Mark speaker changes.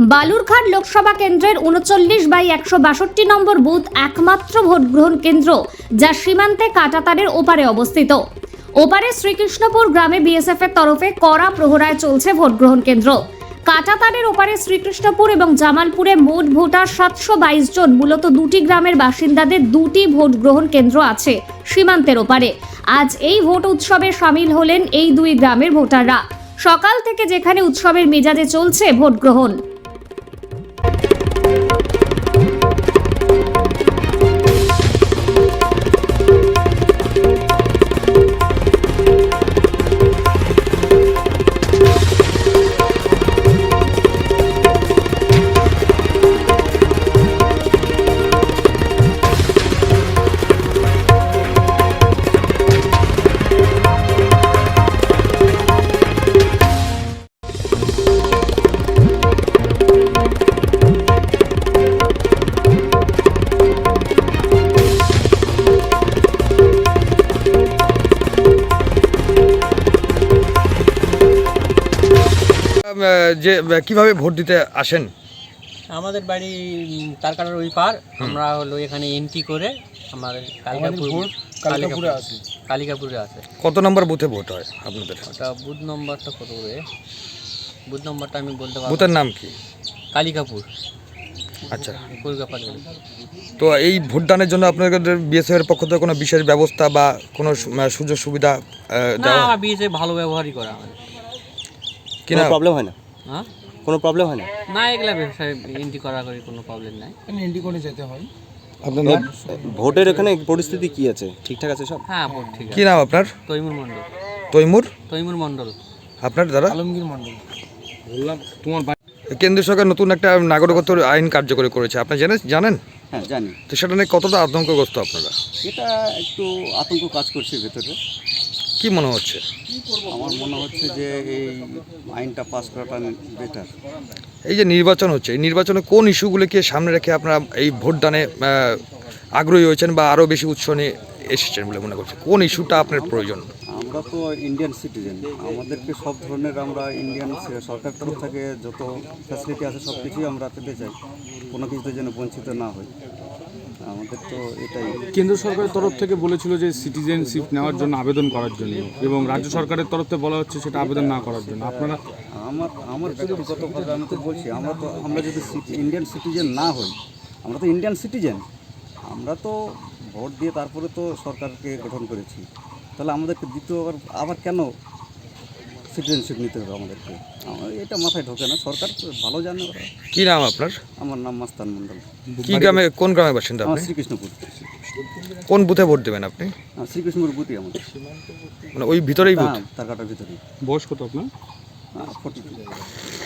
Speaker 1: বালুরঘাট লোকসভা কেন্দ্রের ৩৯/১৬২ নম্বর বুথ একমাত্র ভোট গ্রহণ কেন্দ্র, যা সীমান্তে কাঁটাতারের ওপারে অবস্থিত। ওপারে শ্রীকৃষ্ণপুর গ্রামে বিএসএফ এর তরফে কড়া প্রহরায় চলছে ভোট গ্রহণ কেন্দ্র। কাঁটাতারের ওপারে শ্রীকৃষ্ণপুর এবং জামালপুরে মোট ভোটার ৭২২ জন। মূলত দুটি গ্রামের বাসিন্দাদের দুটি ভোট গ্রহণ কেন্দ্র আছে সীমান্তের ওপারে। আজ এই ভোট উৎসবে সামিল হলেন এই দুই গ্রামের ভোটাররা। সকাল থেকে যেখানে উৎসবের মেজাজে চলছে ভোট গ্রহণ।
Speaker 2: যে কিভাবে ভোট দিতে আসেন?
Speaker 3: আমাদের বাড়ি তারকাটার ওই পার। আমরা হলো এখানে এন্ট্রি করে আমাদের কালিকাপুরে আছে।
Speaker 2: কত নম্বর বুথে ভোট হয় আপনাদের?
Speaker 3: ওটা বুথ নম্বরটা কত করে? বুথ নম্বরটা আমি বলতে পারবো।
Speaker 2: বুথের নাম কি?
Speaker 3: কালিকাপুর।
Speaker 2: আচ্ছা,
Speaker 3: কলকাতা।
Speaker 2: তো এই ভোটদানের জন্য আপনাদের বিএসএফ এর পক্ষ থেকে কোনো বিশেষ ব্যবস্থা বা কোনো সুযোগ সুবিধা
Speaker 3: না, আমার বিএসএফ ভালো ব্যবহারই করে আমাদের।
Speaker 2: কিনা
Speaker 4: প্রবলেম হয় না?
Speaker 3: হ্যাঁ,
Speaker 4: কোনো প্রবলেম হয় না?
Speaker 3: না, এগুলা ব্যবসায় এন্ট্রি করা করে কোনো প্রবলেম নাই।
Speaker 4: এন্ট্রি করে যেতে হয়। আপনাদের ভোটের এখানে পরিস্থিতি কি আছে? ঠিকঠাক আছে সব?
Speaker 3: হ্যাঁ, ভোট ঠিক আছে।
Speaker 2: কি নাম আপনার?
Speaker 3: তৈমুর মণ্ডল।
Speaker 2: তৈমুর
Speaker 3: মণ্ডল।
Speaker 2: আপনার দাদা?
Speaker 4: আলমগীর মণ্ডল। বললাম তোমার
Speaker 2: কেন্দ্র সরকার নতুন একটা নাগরিকত্ব আইন কার্যকরী করেছে, আপনি জানেন?
Speaker 4: হ্যাঁ, জানি।
Speaker 2: তো সেটা নিয়ে কতটা আতঙ্কগ্রস্ত আপনারা?
Speaker 4: এটা একটু আতঙ্ক কাজ করছে ভেতরে।
Speaker 2: কি মনে হচ্ছে?
Speaker 4: আমার মনে হচ্ছে যে এই আইনটা পাস করাটা বেটার।
Speaker 2: এই যে নির্বাচন হচ্ছে, এই নির্বাচনে কোন ইস্যুগুলোকে সামনে রেখে আপনারা এই ভোটদানে আগ্রহী হয়েছেন বা আরও বেশি উৎস নিয়ে এসেছেন বলে মনে করছেন? কোন ইস্যুটা আপনার প্রয়োজন?
Speaker 4: আমরা তো ইন্ডিয়ান সিটিজেন, আমাদেরকে সব ধরনের আমরা ইন্ডিয়ান সরকার তরফ থেকে যত ফ্যাসিলিটি আছে সব কিছুই আমরা পেতে চাই, কোনো কিছুতে যেন বঞ্চিত না হয়। আমাদের তো এটাই।
Speaker 5: কেন্দ্র সরকারের তরফ থেকে বলেছিল যে সিটিজেনশিপ নেওয়ার জন্য আবেদন করার জন্য, এবং রাজ্য সরকারের তরফ থেকে বলা হচ্ছে সেটা আবেদন না করার জন্য। আপনারা
Speaker 4: আমার ব্যক্তিগতভাবে আমি তো বলছি, আমরা যদি ইন্ডিয়ান সিটিজেন না হই, আমরা তো ইন্ডিয়ান সিটিজেন, আমরা তো ভোট দিয়ে তারপরে তো সরকারকে গঠন করেছি, তাহলে আমাদেরকে দ্বিতীয়বার আবার কেন সিটিজেনশিপ নিতে হবে আমাদেরকে? আমার এটা মাথায় ঢোকে না। সরকার ভালো জানে ওরা।
Speaker 2: কি নাম আপনার?
Speaker 4: আমার নাম মাস্তান মণ্ডল।
Speaker 2: কি গ্রামে, কোন গ্রামের বাসিন্দা
Speaker 4: আমার
Speaker 2: আপনি?
Speaker 4: শ্রীকৃষ্ণপুর।
Speaker 2: কোন বুথে ভোট দেবেন আপনি?
Speaker 4: শ্রীকৃষ্ণপুর বুথই আমাদের,
Speaker 2: মানে ওই ভিতরেই বুথ?
Speaker 4: তার কাটার ভিতরেই।
Speaker 5: বয়স কত আপনার?
Speaker 4: 42।